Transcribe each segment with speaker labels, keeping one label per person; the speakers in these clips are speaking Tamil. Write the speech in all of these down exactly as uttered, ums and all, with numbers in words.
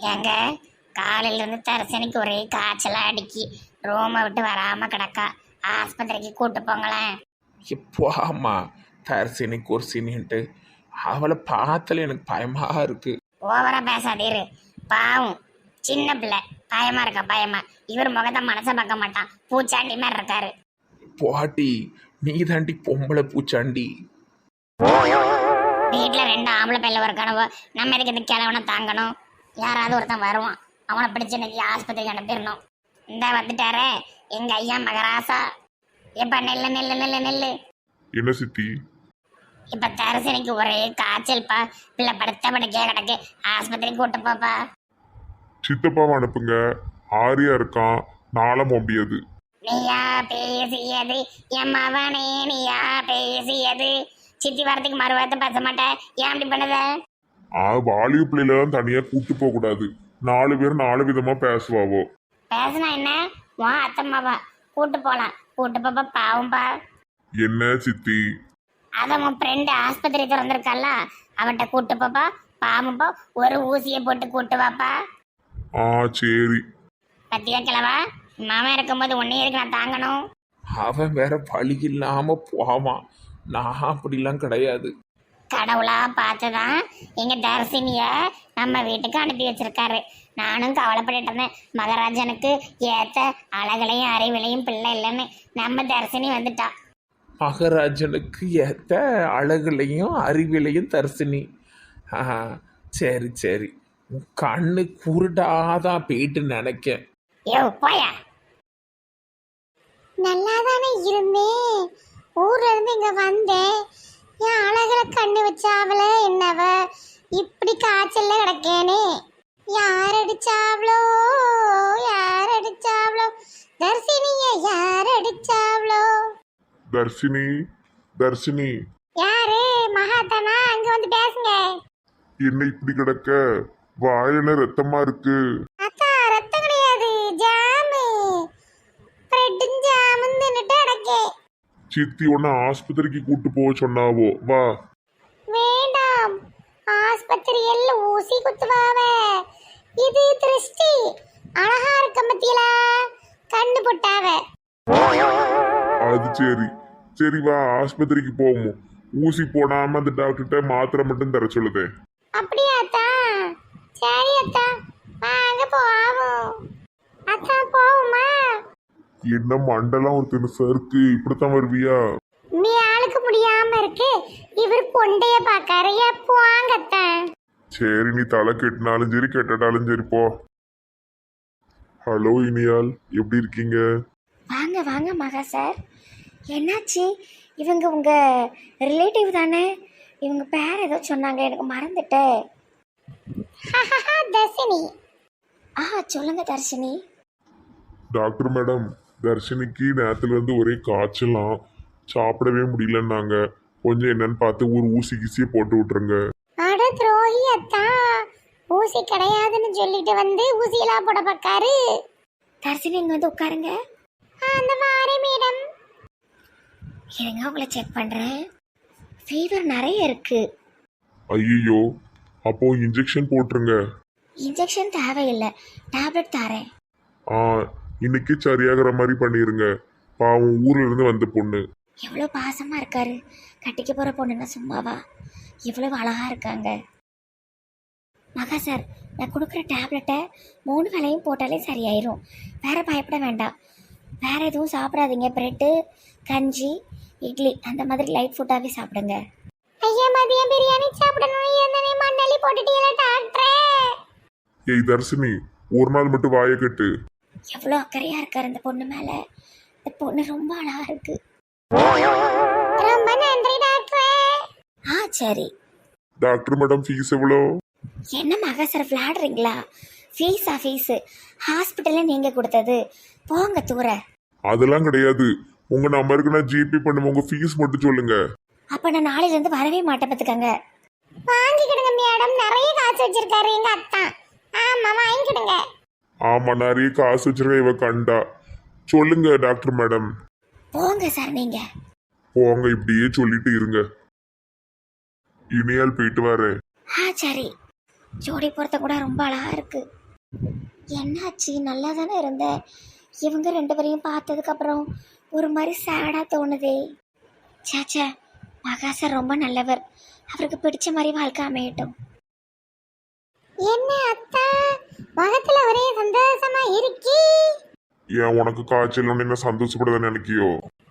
Speaker 1: ஏங்க காலையில இருந்து தரிசனிக்கு ஒரே காய்ச்சலா அடிக்கி ரோமை விட்டு வராம கிடக்கா. ஆஸ்பத்திரிக்கு கூட்டு போங்களேன்.
Speaker 2: இப்போ ஆமா தரிசினி குர்சினின்ட்டு அவளை பார்த்தாலே எனக்கு பயமா இருக்கு.
Speaker 1: ஓவரா பேசாதீரு. பாவம் சின்ன பிள்ளை, பயமா இருக்கா பயமா. இவர் முகத்தை மனச பார்க்க மாட்டான், பூச்சாண்டி மாதிரி இருக்காரு.
Speaker 2: பாட்டி நீ தாண்டி பொம்பளை பூச்சாண்டி.
Speaker 1: வீட்டுல ரெண்டு ஆம்பளை பிள்ளை இருக்கானவோ, நம்ம எதுக்கு இந்த கிழவனை தாங்கணும்? யாராவது ஒருத்தன் வருவான், அவனை பிடிச்சு இன்னைக்கு ஆஸ்பத்திரிக்கு அனுப்பிடணும். இந்த வந்துட்டாரே எங்க ஐயா மகராசா. இப்ப நெல்லு நெல்லு நெல்லு நெல்லு.
Speaker 3: என்ன சித்தி?
Speaker 1: இப்ப தரிசனிக்கு ஒரே காய்ச்சல்ப்பா. பிள்ளை படுத்த படுக்கையா கிடக்கு, ஆஸ்பத்திரிக்கு கூட்டு போப்பா.
Speaker 3: சித்தப்பாவை அனுப்புங்க, ஆரியா இருக்கான், நாள முடியாது.
Speaker 1: நீயா பேசியது என் மவனே, நீயா பேசியது. சித்தி வாரத்துக்கு மறுவாரத்தை பேச மாட்டேன், ஏன் அப்படி பண்ணுத?
Speaker 3: ஆ வாலிப பிள்ளைல தான் தனியா கூட்டு போக கூடாது. நாலு பேர் நாலு விதமா பேசுவாவோ.
Speaker 1: பேசினா என்ன, வா அத்தம்மாவா கூட்டு போலாம். கூட்டு போப்பா, பாவம்பா.
Speaker 3: என்ன சித்தி?
Speaker 1: அதான் உன் ஃப்ரெண்டு ஆஸ்பத்திரி திறந்திருக்கால, அவன்கிட்ட கூட்டு போப்பா, பாவம்பா. ஒரு ஊசியை போட்டு கூட்டு வாப்பா.
Speaker 3: ஆ சரி.
Speaker 1: பத்தியா கிழவா, மாமன் இருக்கும்போது ஒன்னே இருக்கு நான் தாங்கணும்.
Speaker 2: அவன் வேற வழி இல்லாம போவான், நான் அப்படிலாம் கிடையாது.
Speaker 1: கடவுளா பார்த்துதான் எங்க தர்சினிய நம்ம வீட்டுக்கு அனுப்பி வச்சிருக்காரு. நானும் கவலைப்பட்டு இருந்தேன், மகராஜனுக்கு ஏத்த அழகுலையும் அறிவிலையும் பிள்ளை இல்லைன்னு. நம்ம தர்சினி வந்துட்டா.
Speaker 2: மகராஜனுக்கு ஏத்த அழகுலையும் அறிவிலையும் தரிசினி. ஆஹா சரி சரி, உன் கண்ணு குருடாதான் போயிட்டு நினைக்க.
Speaker 1: யோ போயா. நல்லா தானே இருந்தேன், ஊர்ல இருந்து இங்க வந்தேன். என் அழகுல கண்ணு வச்சாவல என்னவ இப்படி காய்ச்சல்ல கிடக்கேனே. யார் அடிச்சாவளோ யார் அடிச்சாவளோ, தர்சினிய யார் அடிச்சாவளோ?
Speaker 3: தர்சினி தர்சினி.
Speaker 1: யாரு? மகாதானா? அங்க வந்து பேசுங்க.
Speaker 3: என்ன இப்படி கிடக்க? வாயில ரத்தமா இருக்கு.
Speaker 1: அக்கா ரத்தம் கிடையாது, ஜாமு. பிரெட்டும் ஜாமும் தின்னுட்டு அடக்கே.
Speaker 3: சித்தி உன்ன ஆஸ்பத்திரிக்கு கூட்டு போக சொன்னாவோ, வா.
Speaker 1: வேண்டாம், ஆஸ்பத்திரியில் ஊசி குத்துவாவ. இது திருஷ்டி. அழகா இருக்க மத்தியில கண்ணு போட்டாவ.
Speaker 3: அது சரி சரி, வா ஆஸ்பத்திரிக்கு போவோம். ஊசி போடாம அந்த டாக்டர்கிட்ட மாத்திரை மட்டும் தர சொல்லுதே.
Speaker 1: அப்படியா அத்தா? சரி அத்தா, வாங்க போவோம். அத்தா போவோமா?
Speaker 3: என்ன மண்டலம் ஒரு தினசா இருக்கு, இப்படித்தான் வருவியா?
Speaker 1: நீ ஆளுக்கு முடியாம இருக்கு, இவர் கொண்டைய பாக்காரு. எப்போ வாங்கத்தான்?
Speaker 3: சரி, நீ தலை கெட்டினாலும் சரி கெட்டட்டாலும் சரி போ. ஹலோ இனியால், எப்படி இருக்கீங்க?
Speaker 1: வாங்க வாங்க மகா சார். என்னாச்சு? இவங்க உங்க ரிலேட்டிவ் தானே? இவங்க பேர் ஏதோ சொன்னாங்க, எனக்கு மறந்துட்டேன். தர்ஷினி. ஆ சொல்லுங்க தர்ஷினி.
Speaker 3: டாக்டர் மேடம், தர்ஷினிக்கு நேரத்துல இருந்து ஒரே காய்ச்சலாம், சாப்பிடவே முடியலன்னாங்க. கொஞ்சம் என்னன்னு பார்த்து ஒரு ஊசி கீசியை போட்டு விட்டுருங்க.
Speaker 1: அட துரோகி அத்தா, ஊசி கிடையாதுன்னு சொல்லிட்டு வந்து ஊசியெல்லாம் போட பார்க்காரு. தர்ஷினி இங்க வந்து உட்காருங்க. அந்த வாரே மேடம். இருங்க உங்களை செக் பண்றேன். ஃபீவர் நிறைய இருக்கு.
Speaker 3: ஐயோ, அப்போ இன்ஜெக்ஷன் போட்டுருங்க.
Speaker 1: இன்ஜெக்ஷன் தேவையில்லை, டேப்லெட் தரேன்.
Speaker 3: ஆ இன்னைக்கு சரியாகிற மாதிரி பண்ணிருங்க. பாவம் ஊர்ல இருந்து வந்த பொண்ணு.
Speaker 1: எவ்வளோ பாசமா இருக்காரு. கட்டிக்க போற பொண்ணுன்னா சும்மாவா? எவ்வளவு அழகா இருக்காங்க. மகா சார், நான் கொடுக்குற டேப்லெட்டை மூணு வேளையும் போட்டாலே சரியாயிரும். வேற பயப்பட வேண்டாம். வேற எதுவும் சாப்பிடாதீங்க. பிரெட்டு, கஞ்சி, இட்லி அந்த மாதிரி லைட் ஃபுட்டாவே சாப்பிடுங்க. ஐயா மதியம் பிரியாணி சாப்பிடணும். என்னனே மண்ணலி போட்டுட்டீங்களா டாக்டரே?
Speaker 3: ஏய் தர்ஷினி, ஒரு நாள் மட்டும் வாயை கட்டு.
Speaker 1: எவ்வளோ அக்கறையா இருக்காரு இந்த பொண்ணு மேல. இந்த பொண்ணு ரொம்ப அழகா இருக்கு. ரொம்ப நன்றி டாக்டரே. ஆ சரி.
Speaker 3: டாக்டர் மேடம், ஃபீஸ் எவ்வளோ?
Speaker 1: என்ன மகா சார் விளையாடுறீங்களா? ஃபீஸா? ஃபீஸு ஹாஸ்பிட்டலில் நீங்கள் கொடுத்தது, போங்க தூர.
Speaker 3: அதெல்லாம் கிடையாது, உங்க நம்பருக்கு நான் ஜிபே பண்ணுவேன். உங்க ஃபீஸ் மட்டும் சொல்லுங்க.
Speaker 1: அப்ப நான் நாளையில இருந்து வரவே மாட்டேன் பார்த்துக்கங்க. வாங்கிக்கிடுங்க மேடம், நிறைய காசு வச்சிருக்காரு எங்க அத்தா. ஆமா வாங்கிக்கிடுங்க.
Speaker 3: ஆமா, நிறைய காசு வச்சிருக்க இவ கண்டா. சொல்லுங்க டாக்டர் மேடம்.
Speaker 1: போங்க சார் நீங்க.
Speaker 3: போங்க, இப்படியே சொல்லிட்டு இருங்க. இனியால் போயிட்டு வரேன்.
Speaker 1: ஆ சரி. ஜோடி பொறுத்த கூட ரொம்ப அழகா இருக்கு. என்னாச்சு? நல்லா தானே இருந்த. இவங்க ரெண்டு பேரையும் பார்த்ததுக்கப்புறம் ஒரு மாதிரி சேடாக தோணுதே. சாச்சா, மகாசர் ரொம்ப நல்லவர். அவருக்கு பிடிச்ச மாதிரி வாழ்க்கை அமையட்டும். என்ன அத்தா, முகத்துல ஒரே சந்தோஷமா இருக்கி?
Speaker 3: ஏன் உனக்கு காய்ச்சல் ஒன்று என்ன சந்தோஷப்பட நினைக்கியோ?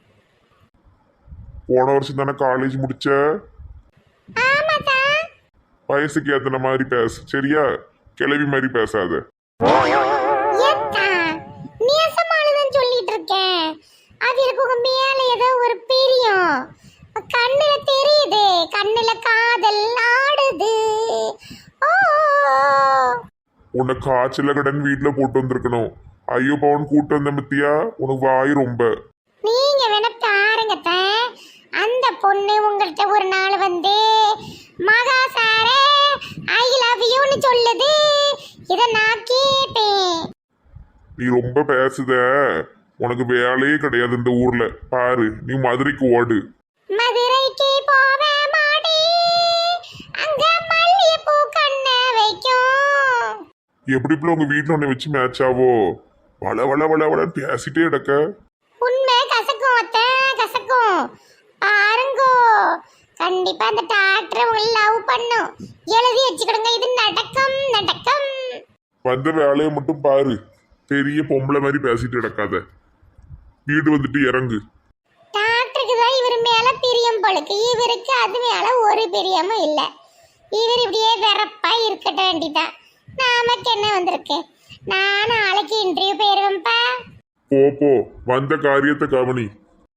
Speaker 3: போன வருஷம் தானே காலேஜ் முடிச்ச.
Speaker 1: ஆமாதா.
Speaker 3: வயசுக்கு ஏத்தன மாதிரி பேசு சரியா? கிளவி மாதிரி பேசாத.
Speaker 1: ஏத்தா, நேசமானதான் சொல்லிட்டு இருக்கேன். அது இருக்கு உங்க மேல ஏதோ ஒரு பிரியம். கண்ணுல தெரியுது, கண்ணுல காதல் ஆடுது. ஓ,
Speaker 3: உன்னை காய்ச்சல கடன் வீட்டுல போட்டு வந்திருக்கணும். ஐயோ பவன் கூட்டு வந்த மத்தியா, உனக்கு வாய் ரொம்ப.
Speaker 1: நீங்க வேணா பாருங்க அத்தை. அந்த பொண்ணு உங்கள்கிட்ட ஒரு நாள் வந்து மகா சாரே ஐ லவ் யூன்னு சொல்லுது. இத நான் கேட்டேன்.
Speaker 3: நீ ரொம்ப பேசுத. உனக்கு வேலையே கிடையாது இந்த ஊர்ல. பாரு, நீ மதுரைக்கு ஓடு.
Speaker 1: மதுரைக்கு போவே மாடி, அங்க மல்லிகைப்பூ கண்ண வைக்கும்.
Speaker 3: எப்படி இப்ப உங்க வீட்டுல உன்னை வச்சு மேட்ச் ஆவோ? வள வள வள வள பேசிட்டே கிடக்க.
Speaker 1: உண்மை கசக்கும் அத்தை, கசக்கும். பாருங்கோ, கண்டிப்பா அந்த டாக்டர் உங்களை லவ் பண்ணும். எழுதி வச்சுக்கிடுங்க, இது நடக்கும் நடக்கும்.
Speaker 3: வந்த வேலையை மட்டும் பாரு. பெரிய பொம்பளை மாதிரி பேசிட்டு கிடக்காத. வீடு வந்துட்டு இறங்கு.
Speaker 1: டாக்டருக்கு தான் இவர் மேல பிரியம் போலுக்கு, இவருக்கு அது மேல ஒரு பிரியமும் இல்ல. இவர் இப்படியே வெறப்பா இருக்கட்ட வேண்டிதான். நமக்கு என்ன வந்திருக்கு? நான் நாளைக்கு இன்டர்வியூ போயிருவேன்ப்பா.
Speaker 3: போ போ, வந்த காரியத்தை கவனி.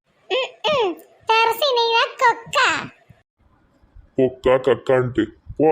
Speaker 1: தரசினா கொக்கா
Speaker 3: பொக்கா கக்கான்ட்டு போ.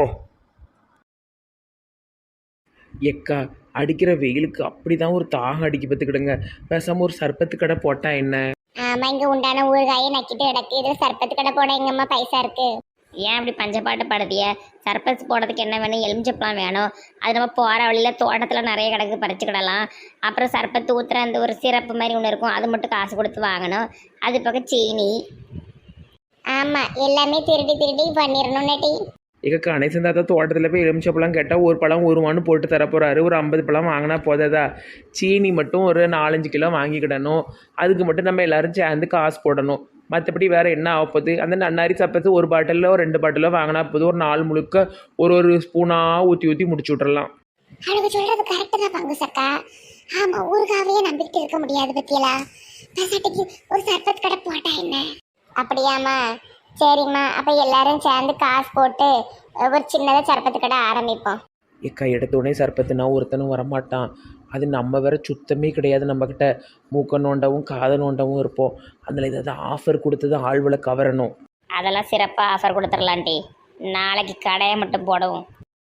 Speaker 2: எக்கா, அடிக்கிற வெயிலுக்கு அப்படிதான் ஒரு தாகம் அடிக்க பார்த்துக்கிடுங்க. பேசாம ஒரு சர்பத்து கடை போட்டா என்ன?
Speaker 1: ஆமா, இங்க உண்டான ஊறுகாயை நக்கிட்டு கிடக்கு. இதுல சர்பத்து கடை போட எங்கம்மா பைசா இருக்கு? ஏன் அப்படி பஞ்சப்பாட்டு படுத்திய? சர்பஸ் போடுறதுக்கு என்ன வேணும்? எலுமிச்சப்பழம் வேணும். அது நம்ம போகிற வழியில் தோட்டத்தில் நிறைய கிடக்கு, பறிச்சுக்கிடலாம். அப்புறம் சர்பத்து ஊற்றுற அந்த ஒரு சிறப்பு மாதிரி ஒன்று இருக்கும், அது மட்டும் காசு கொடுத்து வாங்கணும். அது பக்கம் சீனி. ஆமாம், எல்லாமே திருடி திருடி பண்ணிடணும் நட்டி.
Speaker 2: எங்க கணேசன் தாத்தா தோட்டத்தில் போய் எலுமிச்சப்பழம் கேட்டால் ஒரு பழம் ஒரு மணி போட்டு தரப்போறாரு. ஒரு ஐம்பது பழம் வாங்கினா போதாதா? சீனி மட்டும் ஒரு நாலஞ்சு கிலோ வாங்கிக்கிடணும். அதுக்கு மட்டும் நம்ம எல்லாரும் சேர்ந்து காசு போடணும். மற்றபடி வேறு என்ன ஆக போகுது? அந்த நன்னாரி சப்பத்து ஒரு பாட்டிலோ ரெண்டு பாட்டிலோ வாங்கினா போதும். ஒரு நாள் முழுக்க ஒரு ஒரு ஸ்பூனாக ஊற்றி ஊற்றி முடிச்சு விட்றலாம்.
Speaker 1: அவனுக்கு சொல்கிறது கரெக்டு தான் பங்கு சக்கா. ஆமாம், ஊருக்காவையே நம்பிக்கிட்டு இருக்க முடியாது பத்தியலா. பசாட்டிக்கு ஒரு சர்பத் கடை போட்டா என்ன? அப்படியாம்மா? சரிம்மா, அப்போ எல்லாரும் சேர்ந்து காசு போட்டு ஒரு சின்னதாக சர்பத்து கடை ஆரம்பிப்போம்.
Speaker 2: எக்கா, எடுத்தோடனே சர்பத்துனா ஒருத்தனும் வரமாட்டான். அது நம்ம வேற சுத்தமே கிடையாது. நம்மக்கிட்ட மூக்க நோண்டவும் காதை நோண்டவும் இருப்போம். அதில் ஏதாவது ஆஃபர் கொடுத்தது ஆழ்வலை கவரணும்.
Speaker 1: அதெல்லாம் சிறப்பாக ஆஃபர் கொடுத்துடலான்டி. நாளைக்கு கடையை மட்டும் போடவும்.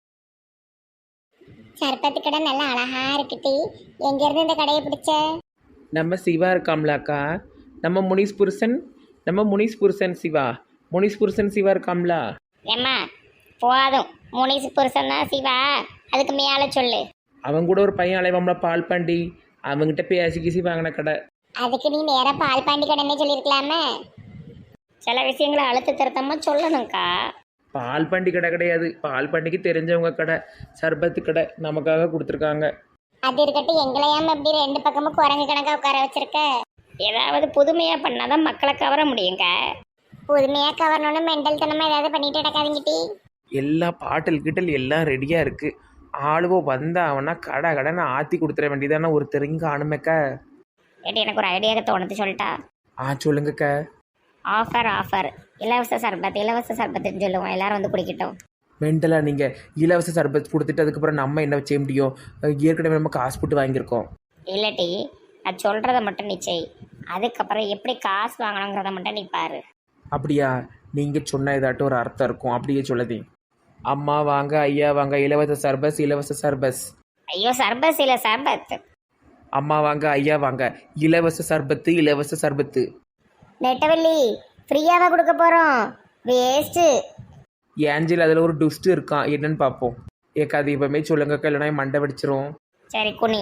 Speaker 1: சர்பத்து கடை நல்லா அழகா இருக்குட்டி. எங்கேருந்து இந்த கடையை பிடிச்ச?
Speaker 2: நம்ம சிவா இருக்காம்லாக்கா, நம்ம முனிஸ் புருஷன் நம்ம முனிஸ் புருஷன் சிவா முனிஸ் புருஷன் சிவா இருக்காம்ல.
Speaker 1: ஏம்மா போதும், முனிஸ் புருஷன் தான் சிவா, அதுக்கு மேலே சொல்லு.
Speaker 2: அவங்க கூட ஒரு பையன் அலைவாம்ல பால் பாண்டி, அவங்ககிட்ட பேசி கீசி வாங்கின கடை.
Speaker 1: அதுக்கு நீ நேராக பால் பாண்டி கடைன்னே சொல்லியிருக்கலாமே. சில விஷயங்களை அழுத்த திருத்தமாக சொல்லணும்க்கா.
Speaker 2: பால் பாண்டி கடை கிடையாது, பால் பாண்டிக்கு தெரிஞ்சவங்க கடை, சர்பத்து கடை நமக்காக கொடுத்துருக்காங்க.
Speaker 1: அது இருக்கட்டும், எங்களையாம இப்படி ரெண்டு பக்கமும் குரங்கு கணக்காக உட்கார வச்சிருக்க. ஏதாவது புதுமையாக பண்ணாதான் மக்களை கவர முடியுங்க. புதுமையாக கவரணும்னு மெண்டல் தனமாக ஏதாவது பண்ணிட்டு கிடக்காதீங்கிட்டி.
Speaker 2: எல்லா பாட்டில் கிட்டல் எல்லாம் ரெடியாக இருக்குது. ஆளுவோ வந்தாவனா கடை கடைன்னு ஆற்றி கொடுத்துட வேண்டியதானே ஒரு தெரிங்க அனுமக்க.
Speaker 1: ஏட்டி, எனக்கு ஒரு ஐடியாவுக்கு தோணுது, சொல்லிட்டா?
Speaker 2: ஆ சொல்லுங்கக்க.
Speaker 1: ஆஃபர் ஆஃபர் இலவச சர்பத், இலவச சர்பத்துன்னு சொல்லுவோம், எல்லாரும் வந்து குடிக்கட்டும்.
Speaker 2: மென்டலா நீங்கள் இலவச சர்பத் கொடுத்துட்டு அதுக்கப்புறம் நம்ம என்ன செய்ய முடியும்? ஏற்கனவே நம்ம காசு போட்டு வாங்கியிருக்கோம்.
Speaker 1: இல்லாட்டி நான் சொல்கிறத மட்டும் நீ செய், அதுக்கப்புறம் எப்படி காசு வாங்கணுங்கிறத மட்டும் நீ பாரு.
Speaker 2: அப்படியா? நீங்கள் சொன்ன ஏதாட்டும் ஒரு அர்த்தம் இருக்கும், அப்படியே சொல்லுதே. அம்மா வாங்க, ஐயா வாங்க, இலவச சர்பஸ் இலவச சர்பஸ்.
Speaker 1: ஐயோ, சர்பஸ் இல்லை சர்பத்.
Speaker 2: அம்மா வாங்க, ஐயா வாங்க, இலவச சர்பத்து இலவச சர்பத்து.
Speaker 1: நெட்டவள்ளி ஃப்ரீயாவா கொடுக்க போகிறோம், வேஸ்ட்டு.
Speaker 2: ஏஞ்சல் அதில் ஒரு டுஸ்ட் இருக்கான், என்னன்னு பார்ப்போம். ஏக்கா அது இப்போமே சொல்லுங்கக்கா, இல்லைனா என் மண்டை வெடிச்சிரும்.
Speaker 1: சரி குனி.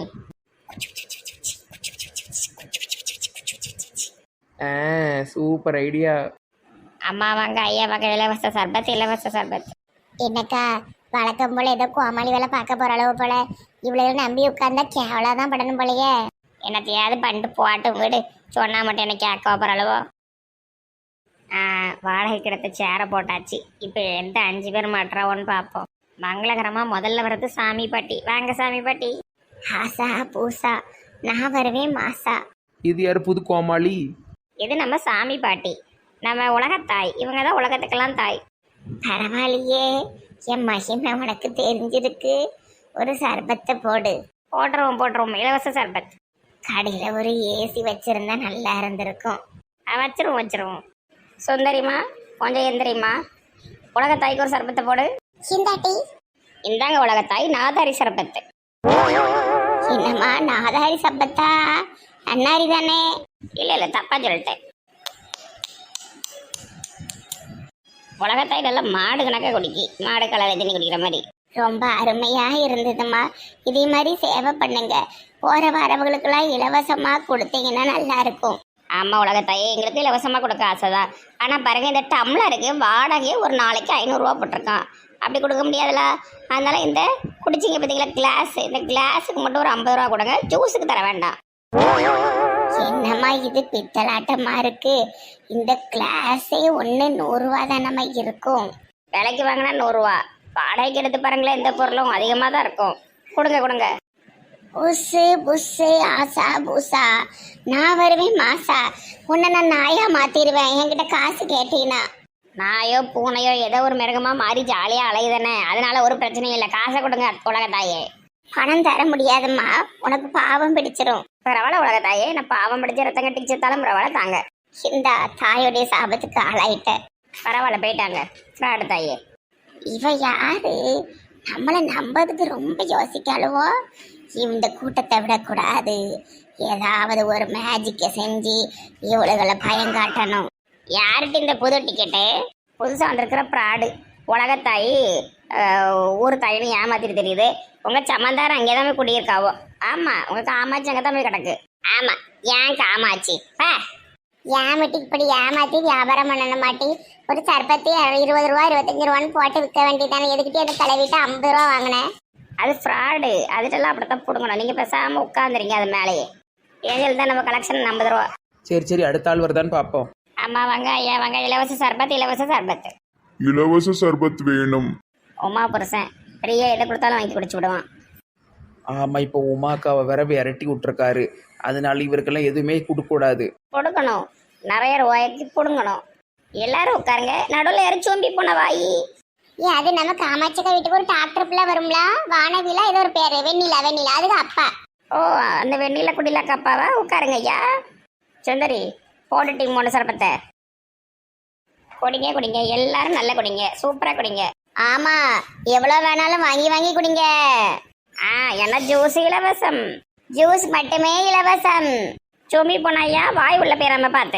Speaker 2: ஆ சூப்பர் ஐடியா.
Speaker 1: அம்மா வாங்க, ஐயா வாங்க, இலவச சர்பத் இலவச சர்பத். என்னக்கா வழக்கம் போல ஏதோ கோமாளி வேலை பார்க்க போற அளவு போல இவ்வளவு நம்பி உட்கார்ந்தா கேவலாதான் படணும் போலயே. என்னத்தையாவது பண்ணிட்டு போட்டும் வீடு, சொன்னா மட்டும் எனக்கு கேட்க போற அளவோ. வாடகை கிடத்த சேரை போட்டாச்சு. இப்போ எந்த அஞ்சு பேர் மாட்டுறாவோன்னு பார்ப்போம். மங்களகரமாக முதல்ல வர்றது சாமி பாட்டி. வாங்க சாமி பாட்டி. ஆசா பூசா, நான் வருவேன் மாசா.
Speaker 2: இது யார் புது கோமாளி?
Speaker 1: இது நம்ம சாமி பாட்டி, நம்ம உலகத்தாய். இவங்க தான் உலகத்துக்கெல்லாம் தாய். பரவாயில்லையே, என் மகிமை உனக்கு தெரிஞ்சிருக்கு. ஒரு சர்பத்தை போடு. போட்டுருவோம் போட்டுருவோம், இலவச சர்பத். கடையில் ஒரு ஏசி வச்சிருந்தா நல்லா இருந்திருக்கும். வச்சிருவோம் வச்சிருவோம். சுந்தரிமா கொஞ்சம் எந்திரிமா, உலகத்தாய்க்கு ஒரு சர்பத்தை போடு. சிந்தாட்டி இந்தாங்க உலகத்தாய், நாதாரி சர்பத்து. என்னம்மா நாதாரி சர்பத்தா? அன்னாரி தானே? இல்லை இல்லை தப்பா சொல்லிட்டேன். உலகத்தாய் நல்லா மாடு கணக்காக குடிக்கி, மாடு கலரை தண்ணி குடிக்கிற மாதிரி. ரொம்ப அருமையா இருந்ததுமா. இதே மாதிரி சேவை பண்ணுங்க. போற வரவங்களுக்கெல்லாம் இலவசமா கொடுத்தீங்கன்னா நல்லா இருக்கும். ஆமா உலகத்தாயே, எங்களுக்கு இலவசமா கொடுக்க ஆசைதான். ஆனா பாருங்க, இந்த டம்ளருக்கு வாடகையே ஒரு நாளைக்கு ஐநூறுரூவா போட்டிருக்கான். அப்படி கொடுக்க முடியாதுல. அதனால இந்த குடிச்சிங்க பார்த்தீங்களா கிளாஸ், இந்த கிளாஸுக்கு மட்டும் ஒரு ஐம்பது ரூபா கொடுங்க. ஜூஸுக்கு தர வேண்டாம். என்னம்மா இது பித்தலாட்டமா இருக்கு? இந்த கிளாஸே ஒன்று நூறுரூவா தானம்மா இருக்கும். விலைக்கு வாங்கினா நூறுரூவா, வாடகைக்கு எடுத்து பாருங்களேன், எந்த பொருளும் அதிகமாக தான் இருக்கும். கொடுங்க கொடுங்க. புஸ்ஸு புஸ்ஸு ஆசா பூசா, நான் வருவேன் மாசா. உன்னை நான் நாயா மாத்திடுவேன் என்கிட்ட காசு கேட்டீங்கன்னா. நாயோ பூனையோ ஏதோ ஒரு மிருகமா மாறி ஜாலியாக அலையுதானே, அதனால ஒரு பிரச்சனையும் இல்லை. காசை கொடுங்க உலகத்தாயே. பணம் தர முடியாதும்மா, உனக்கு பாவம் பிடிச்சிரும். பரவாயில்ல உலகத்தாயே, நான் பாவம் பிடிச்ச ரத்தம் கட்டி செத்தாலும் பரவாயில்ல தாங்க. இந்த தாயோடைய சாபத்துக்கு ஆளாயிட்ட. பரவாயில்ல போயிட்டாங்க ஃப்ராடு தாயே. இவ யாரு? நம்மளை நம்பதுக்கு ரொம்ப யோசிக்காளுவோ. இந்த கூட்டத்தை விடக்கூடாது, ஏதாவது ஒரு மேஜிக்கை செஞ்சு இவளுகளை பயம் காட்டணும். யார்கிட்ட இந்த புது டிக்கெட்டு? புதுசாக வந்திருக்கிற ப்ராடு உலகத்தாய். ஊர் தாயின்னு ஏமாத்திட்டு தெரியுது. உங்கள் சமந்தாரம் அங்கே தான் போய் குடியிருக்காவோ. ஆமாம், உங்கள் காமாட்சி அங்கே தான் போய் கிடக்கு. ஆமாம், ஏன் காமாட்சி பா ஏமாட்டி இப்படி ஏமாத்தி வியாபாரம் பண்ணணும் மாட்டி. ஒரு சர்பத்தி இருபது ரூபா இருபத்தஞ்சு ரூபான்னு போட்டு விற்க வேண்டியதானே. எதுக்கிட்டே அந்த தலைவிட்டு ஐம்பது ரூபா வாங்கினேன். அது ஃப்ராடு, அதுட்டெல்லாம் அப்படித்தான் பிடுங்கணும். நீங்கள் பேசாமல் உட்காந்துறீங்க அது மேலேயே. ஏஞ்சல் தான் நம்ம கலெக்ஷன் ஐம்பது ரூபா.
Speaker 2: சரி சரி, அடுத்த ஆள் வருதான்னு பார்ப்போம்.
Speaker 1: ஆமாம் வாங்க ஐயா வாங்க. இலவச சர்பத் இலவச சர்பத்.
Speaker 3: இலவச சர்பத் வேணும்.
Speaker 1: உமா புருஷன் ஃப்ரீயாக எதை கொடுத்தாலும் வாங்கி குடிச்சு விடுவான்.
Speaker 2: ஆமாம், இப்போ உமாக்காவை வேற விரட்டி விட்டுருக்காரு. அதனால இவருக்கெல்லாம் எதுவுமே கொடுக்கூடாது.
Speaker 1: கொடுக்கணும், நிறைய ரூபாய்க்கு பிடுங்கணும். எல்லாரும் உட்காருங்க. நடுவில் யாரும் சோம்பி போன வாயி. ஏ அது நம்ம காமாட்சிக்கா வீட்டுக்கு ஒரு டாக்டர் பிள்ளை வரும்ல, வானவிலா ஏதோ ஒரு பேரு, வெண்ணிலா வெண்ணிலா, அதுக்கு அப்பா. ஓ அந்த வெண்ணிலா குடிலாக்கு அப்பாவா? உட்காருங்க ஐயா. சுந்தரி போட்டு டீம் மூணு சரப்பத்தை குடிங்க குடிங்க, எல்லாரும் நல்லா குடிங்க, சூப்பரா குடிங்க. ஆமா, எவ்வளவு வேணாலும் வாங்கி வாங்கி குடிங்க. ஆ என்ன ஜூஸ் இலவசம், ஜூஸ் மட்டுமே இலவசம். சுமி போனாயா வாய் உள்ள பேராம பார்த்து.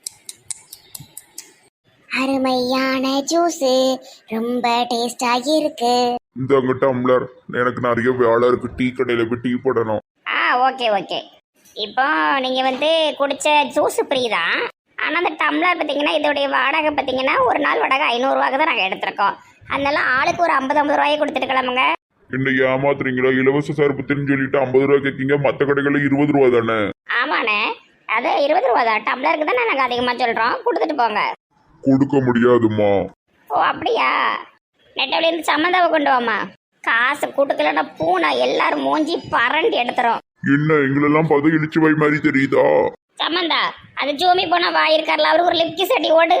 Speaker 1: அருமையான ஜூஸ், ரொம்ப டேஸ்டாகி இருக்கு.
Speaker 3: இந்த டம்ளர் எனக்கு நிறைய வேலை இருக்கு, டீ கடையில போய் டீ போடணும்.
Speaker 1: ஆ ஓகே ஓகே. இப்போ நீங்க வந்து குடிச்ச ஜூஸ் ஃப்ரீ தான். ஆனால் அந்த டம்ளர் பார்த்தீங்கன்னா இதோடைய வாடகை பார்த்தீங்கன்னா ஒரு நாள் வாடகை ஐநூறுரூவாக்கு தான் நாங்கள் எடுத்திருக்கோம். அதனால ஆளுக்கு ஒரு ஐம்பது ஐம்பது ரூபாயை கொடுத்துட்டு கிளம்புங்க.
Speaker 3: என்ன ஏமாத்துறீங்களா? இலவச சர்பத்துன்னு சொல்லிட்டு ஐம்பது ரூபா கேட்கீங்க, மற்ற கடைகளில் இருபது ரூபா தானே?
Speaker 1: ஆமாண்ணே, அது இருபது ரூபா தான். டம்ளருக்கு தான் நாங்கள் அதிகமாக சொல்கிறோம், கொடுத்துட்டு போங்க.
Speaker 3: கொடுக்க முடியாதுமா.
Speaker 1: ஓ அப்படியா? நெட்டவழி இருந்து சம்மந்தாவை கொண்டு வாமா. காசு கூட்டுக்கலன்னா பூனை எல்லாரும் மூஞ்சி பரண்டி எடுத்துரும்.
Speaker 3: என்ன எங்களெல்லாம் பார்த்து இழிச்சு வாய் மாதிரி தெரியுதா?
Speaker 1: சம்மந்தா அது ஜூமி போனா வாய் இருக்கார்ல, அவருக்கு ஒரு லிப்கி சட்டி ஓடு.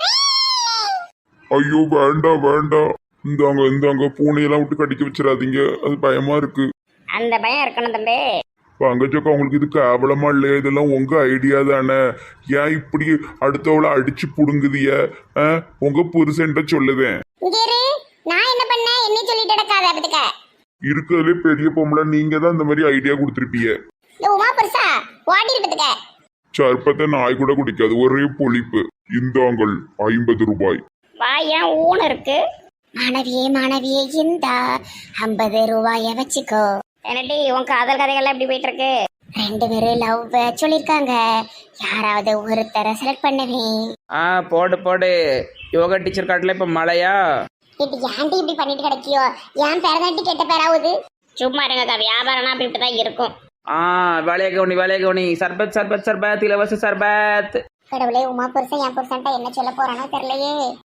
Speaker 3: ஐயோ வேண்டாம் வேண்டாம், இந்தாங்க இந்தாங்க, பூனையெல்லாம் விட்டு கடிக்க வச்சிடாதீங்க, அது பயமா இருக்கு.
Speaker 1: அந்த பயம் இருக்கணும் தம்பி.
Speaker 3: பங்கச்சக்கா உங்களுக்கு இது கேவலமா இல்லையா? இதெல்லாம் உங்க ஐடியா தானே? ஏன் இப்படி அடுத்தவளை அடிச்சு புடுங்குதிய? உங்க புருஷன்ட்ட சொல்லுவேன்.
Speaker 1: நான் என்ன பண்ண என்ன சொல்லிட்டு நடக்காத.
Speaker 3: இருக்கிறதுலே பெரிய பொம்பளை நீங்க தான் இந்த மாதிரி ஐடியா கொடுத்துருப்பீங்க.
Speaker 1: உமா புருஷா ஓடி இருப்பதுக்க.
Speaker 3: சர்பத்தை நாய் கூட குடிக்காது, ஒரே பொழிப்பு. இந்தாங்கள் ஐம்பது ரூபாய்.
Speaker 1: வாயா ஊன் இருக்கு. மாணவியே மாணவியே இந்த ஐம்பது ரூபாய வச்சுக்கோ. என்னடி உன் காதல் கதைகள்லாம் எப்படி போயிட்டு இருக்கு? ரெண்டு பேரும் லவ் சொல்லிருக்காங்க, யாராவது ஒருத்தரை செலக்ட் பண்ணுவேன்.
Speaker 2: ஆ போடு போடு. யோகா டீச்சர் காட்டில் இப்போ மழையா?
Speaker 4: இது ஏன்டி இப்படி பண்ணிட்டு கிடைக்கியோ? ஏன் பேரதாட்டி கெட்ட பேராகுது?
Speaker 5: சும்மா இருங்கக்கா, வியாபாரம்னா அப்படி இப்படி தான் இருக்கும்.
Speaker 2: ஆ வேலையை கவனி வேலையை கவனி. சர்பத் சர்பத் சர்பத் இலவச சர்பத்.
Speaker 4: கடவுளே, உமா புருஷன் என் புருஷன்ட்ட என்ன சொல்ல போறானோ தெரியலையே.